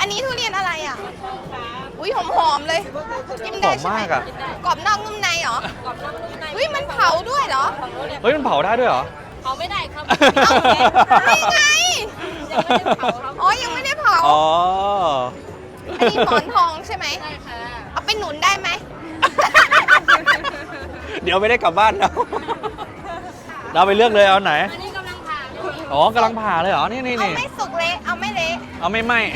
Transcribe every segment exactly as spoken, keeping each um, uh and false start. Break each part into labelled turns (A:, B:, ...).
A: อันนี้ทุเรียนอะไรอ่ะอุ้ยหอมๆเลยกิน
B: ห
A: ได้
B: อม
A: ใช่ไหม
B: มากอ่ะ
A: กรอบนอกนุ่มในเหรอ
C: กรอบนอกนุ่มใน
A: อุ้ยมันเผาด้วยเหรอ
B: เฮ้ยมันเผาได้ด้วยเหรอ
C: เผาไม่ได้ครับ
A: ไม่ไง
C: ยังไม่ได้เผาครับ
A: อ๋อยังไม่ได้เผา
B: อ๋อ
A: อันนี้หมอนทองใช่ไหม
C: ใช่ค่ะ
A: เอาไปหนุนได้ไหม
B: เดี๋ยวไม่ได้กลับบ้านแล้วเราไปเลือกเลยเอาไหน
C: อันนี้กำลังผ่าอยู่
B: อ๋อกำลังผ่าเลยเหรอ นี่นี่
A: เอา
B: นี่
A: ไม่สุกเละเอาไม่เละ
B: เอาไม่ไหม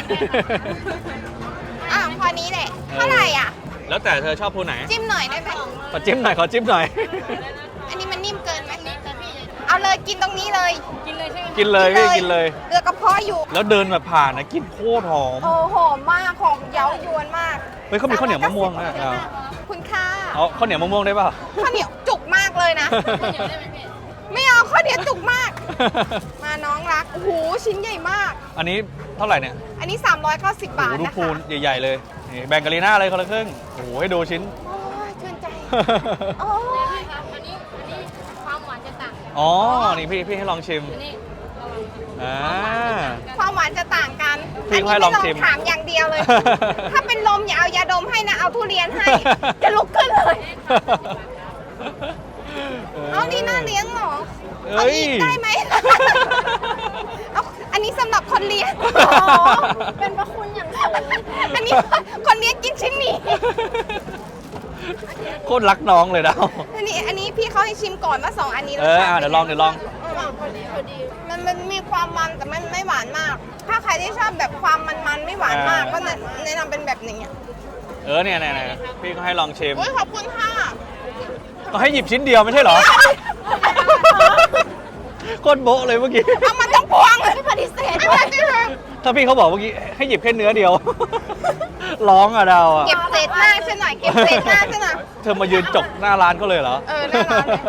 A: อ่ะพอนี้แหละเท่าไหร่อ่ะ
B: แล้วแต่เธอชอบผู้ไหน
A: จิ้มหน่อยได้ไหม
B: ขอจิ้มหน่อย ขอจิ้มหน่อย
A: อันนี้มันนิ่มเกินไหม
C: แต่พี่
A: เอาเลยกินตรงนี้เลย
C: กินเลยใช่ไหม
B: กินเลยพี่กินเลย
A: เรือกระเพาะอยู่
B: แล้วเดินแบบผ่านนะกินโคตรหอม
A: โอ้หอมมากหอมเย้ายวนมาก
B: เฮ้ยเขามีข้าวเหนียวมะม่วงด้วยเอา
A: คุณค่า
B: เอาข้าวเหนียวมะม่วงได้ป่ะ
A: ข้าวเหนียวจุกมากเลยนะ
C: เดี๋ยวได้ไหมพี่
A: ไม่เอาข้าวเหนียวจุกมาก มาน้องรัก โอ้โห ชิ้นใหญ่มาก
B: อันนี้เท่าไหร่เนี่ย
A: อันนี้ สามร้อยเก้าสิบ
B: โอ้
A: บาท
B: โหดู
A: นะ
B: พู
A: คะ
B: นใหญ่ ๆ เลยนี่แบ่งกับลีน่าเลยคนละครึ่ง โอ้โหให้ดูชิ้น
A: โอ้ยชื่นใจ โอ้ย
C: ครับอันนี้อันนี้ความหวานจะต่าง
B: อ๋อ นี่พี่พี่ให้ลองชิม
C: อันนี้ระวัง
B: อ่า
A: ความหวานจะต่างกัน
B: พี่
A: อันนี้
B: ให้
A: ไม่
B: ล
A: ล
B: อ
A: อง ง
B: ชิม
A: ถามอย่างเดียวเลย ถ้าเป็นลมอย่าเอายาดมให้นะ เอาทุเรียนให้ จะลุกขึ้นเลย เอานี่น่าเลี้ยงเหรอ
B: เอ้
A: เอา
B: ย
A: อีกได้ไหม เอาอันนี้สำหรับคนเลี้ยงเป็นพระคุณอย่างสูงอันนี้คนเลี้ยงกินชิ้นนี้
B: โคตรรักน้องเลยนะ
A: อันนี้อันนี้พี่เขาให้ชิมก่อนว่าสองอันนี้
B: เอออ่ะเดี๋ยวลองเดี๋ยวลอง
A: พอดีพอดีมันมันมีความมันแต่มันไม่หวานมาก ถ้าใครที่ชอบแบบความมันมันๆไม่หวานมาก
B: อ่า
A: ก็แนะนำเป็นแบบนี้
B: เออเนี่ยเนี่ยเนี่ยพี่ก็ให้ลองชิม
A: โอ้ยขอบคุณค่ะ
B: ก็ให้หยิบชิ้นเดียวไม่ใช่เหรอ โคตรโบ๊ะเลยเมื่อกี้
A: เอามาต้องพวงไม่ปฏิเสธด้วย
B: ถ้าพี่เขาบอกเมื่อกี้ให้หยิบแค่เนื้อเดียว ร้องอะดาวอะ
A: เก็บเศษหน้าฉันหน่อยเก็บเศษหน้าฉันหน่อย
B: เธอมายืนจกหน้าร้านเขาเลยเหรอ
A: เออหน้าร้านเลย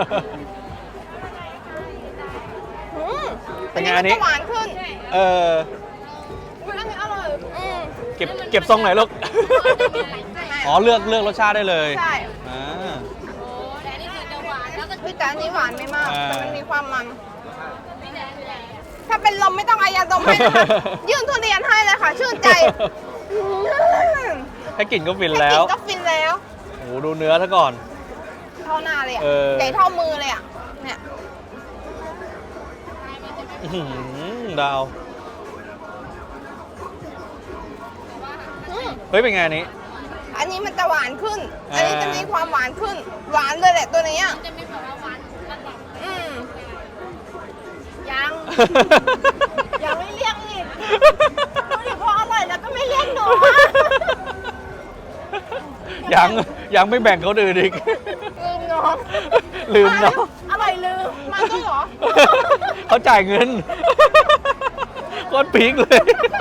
A: อืม
B: เป็นไงอันนี้
A: มัจะหวานขึ้น
B: เออ
A: อุ้ยอันนี้อร่อยอืม
B: เก็บเก็บทรงไหนอยลูก อ๋อเลือกเลือกรสชาติได้เลย
A: ใช่
B: อ่า
C: โอ้แต่อันนี้คือจะหวานแล้วก็
A: พี่แต่อันนี้หวานไม่มาก
B: อ่า
A: แต่มันมีความมัน
C: พี่แดงพี่แดง
A: ถ้าเป็นลมไม่ต้องเอายาดมให้นะคะ ยื่นทุเรียนให้เลยค่ะ ชื่นใจอืม
B: แค่กลิ่นก็ฟิน
A: แค่
B: แล้
A: กิ
B: ว
A: นก็ฟินแล้ว
B: โอ้โหดูเนื้อซะก่อน
A: เท่าหน้าเลยอ่ะ
B: เออ
A: ใหญ่เท่ามือเลยอ่ะ เนี่ย
B: อื้อหือดาว
A: อืม
B: เฮ้ยเป็นไงอันนี้
A: อันนี้มันจะหวานขึ้น
B: อ่า
A: อันนี้จะมีความหวานขึ้น หวานเลยแหละตัวนี้อ่ะ
C: จะมีแบบว่าหวานระดับ
A: อืมยัง ยังไม่เรียกอีกดูดิพออร่อยแล้วก็ไม่เรียกหนูอะ
B: ยังยังไม่แบ่งเขาอื่นอีก
A: ลืมน้อง
B: ลืมเนาะ
A: อร่อยลืมมาด้วยเหรอ
B: เขาจ่ายเงินโคตรพีคเลย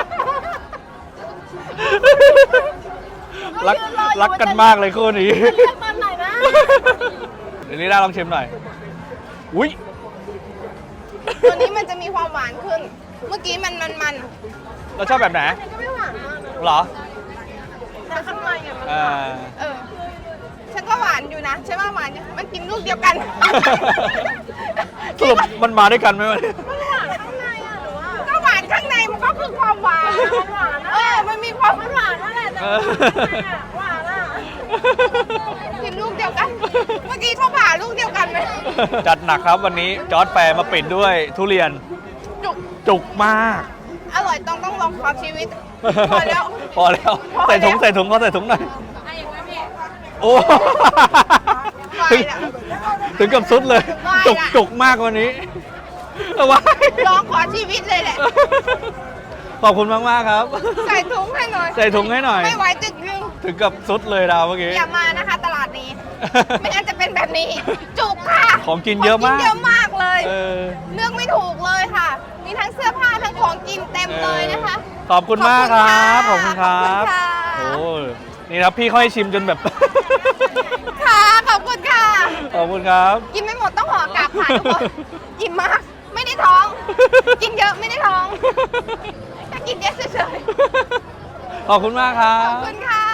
B: รักรักกันมากเลยคู่นี้
A: เรียกตอนไหนนะ
B: เดี๋ยวนี้ได้ลองชิมหน่อย อุ้ย
A: ตัวนี้มันจะมีความหวานขึ้น เมื่อกี้มันมันมัน
B: เราชอบแบบไหน
A: อันนี้ก็ไม่หวานมากนะ
B: เหรอ
A: แต่ข้างในอ่ะมันห
B: อ่า
A: วานเออ ฉันก็หวานอยู่นะ ใช่ว่าหวานอยู่มันกินลูกเดียวกัน
B: สรุปมันมาด้วยกันไหมวะ
A: มันหวานข้างในอ่ะหรือว่าก็หวานข้างในมันก็คือความหวานมันหวานเออ มันมีความหวานนั่นแหละแต่ว่าข้างในอ่ะหวานอ่ะกินลูกเดียวกัน เมื่อกี้เขาผ่าลูกเดียวกันไหม
B: จัดหนักครับวันนี้จอร์จแฟร์มาปิดด้วยทุเรียน
A: จุก
B: จุกมาก
A: อร่อยต้องต้องลองขอชีวิต พอแล้ว
B: พอแล้ว
A: พอแล้ว
B: ใส่ถุงใส่ถุงเขาใส่ถุงหน่อย
C: ให้อีกไหมพี่
B: โอ้
A: ไป
B: ถึง
A: ละ
B: ถึงกับสุดเลย
A: ไปละ
B: จุกจุกมากวันนี้เอาไว้
A: ลองขอชีวิตเลยแหละ
B: ขอบคุณมากมากๆครับ
A: ใส่ถุงให้หน่อย
B: ใส่ถุงให้หน่อย
A: ไม่ไหวจึกนึง
B: ถึงกับสุดเลยดาวเมื่อกี้
A: อย่ามานะคะ ตลาดนี้ ไม่งั้นจะเป็นแบบนี้ จุกค่ะ
B: ของกินเยอะมาก
A: ขงกินเยอะมากเลย
B: เออ
A: เลือกไม่ถูกเลยค่ะ มีทั้งเสื้อผ้าทั้งของกินเต็มเลยนะคะ
B: ขอบคุณมากครับ ขอบคุณครับ
A: ขอบคุณค่ะ
B: โอ้นี่ครับพี่เขาให้ชิมจนแบบ
A: ค่ะ ขอบคุณค่ะ
B: ขอบคุณครับ
A: กินไม่หมดต้องห่อกลับค่ะทุกคนอิ่มมาก ไม่ได้ท้อง กินเยอะไม่ได้ท้องแต่กินเยอะเฉย
B: ขอบคุณมากครั
A: ๆข
B: บ
A: อบคุณค่ะ